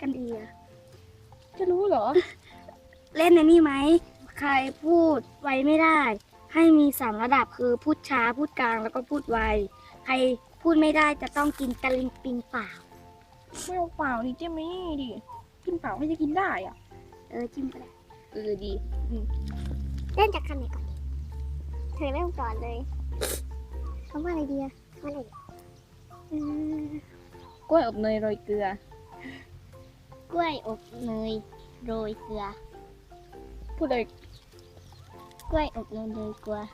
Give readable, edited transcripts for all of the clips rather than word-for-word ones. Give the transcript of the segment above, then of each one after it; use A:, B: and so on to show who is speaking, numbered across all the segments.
A: กันอีก
B: จะรู้เหรอ
A: เล่นในนี่ไหมใครพูดไวไม่ได้ ให้มี3ระดับคือพูดช้าพูดกลางแล้วก็พูดไวใครพูดไม่ได้จะต้องกินตะลิงปิงเปล่า
B: ไม่เอาเปล่าดิเจ๊ไม่ดิกินเปล่าให้จะกินได้อ่ะ
A: จิ้มก็ได้
B: ดี
A: เล่นจากคำไหนก่อนดีเธอเริ่มก่อนเลยคำว่าอะไรดีอะคำว่าอะไรดี
B: กล้วยอบเนยโรยเกลือ
A: กล้วยอบเนยโรยเกลือ
B: พูดเลย
A: กล้วยอบเนยโรยเกลือ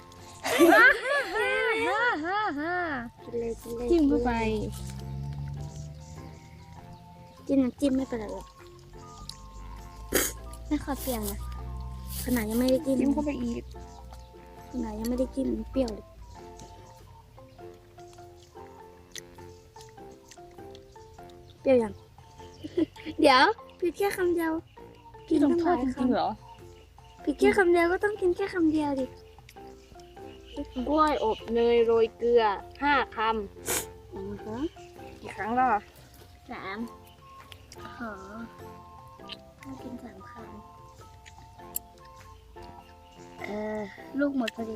B: ฮ่า
A: กินเลยกินเลย
B: จิ้มเข้าไป
A: จิ้มน้ำจิ้มไม่เป็นไรหรอกไม่ขอเปรี้ยวนะขนาดยังไม่ได้จิ้ม
B: จิ้มเข้าไปอีก
A: ขนาดยังไม่ได้จิ้มมันเปรี้ยวเลยเปรี้ยวยัง เดี๋ยวผิดแค่คำเดียว
B: พี่ลงโทษจริงๆเหรอ
A: ผิดแค่คำเดียวก็ต้องกินแค่คำเดียวดิ
B: กล้วยอบเนยโรยเกลือ5 คำกี่ครั้งแล้ว
A: 3ขอต้องกิน3 คำลูกหมดพอดี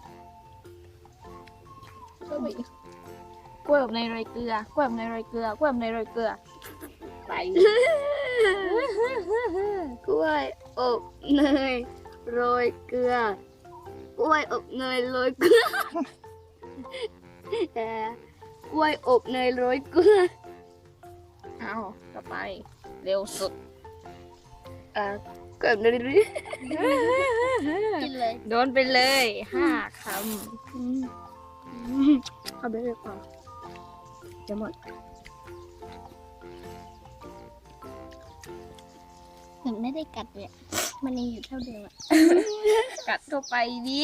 B: เข้าไปอีกกล้วยอบเนยโรยเกลือกล้วยอบเนยโรยเกลือกล้วยอบเนยโรยเกลือไป
A: กล้วยอบเนยโรยเกลือกล้วยอบเนยโรยเกลือกล้วยอบเนยโรยเกลือ
B: เอาต่อไปเร็วสุด
A: กล้วยอบเนยโรยกินเลย
B: โดนไปเลย5 ค
A: เอาไปเลยก่อนจะหมดเหมือนไม่ได้กัดเลยอะมันยังอยู่เท่าเดิมอะ
B: ำกัดเข้าไปดิ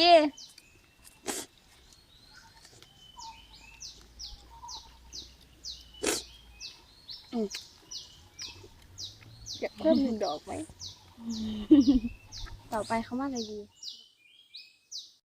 B: อยากเพิ่ม1 ดอกไหม ต่อไปคำว่าอะไรดี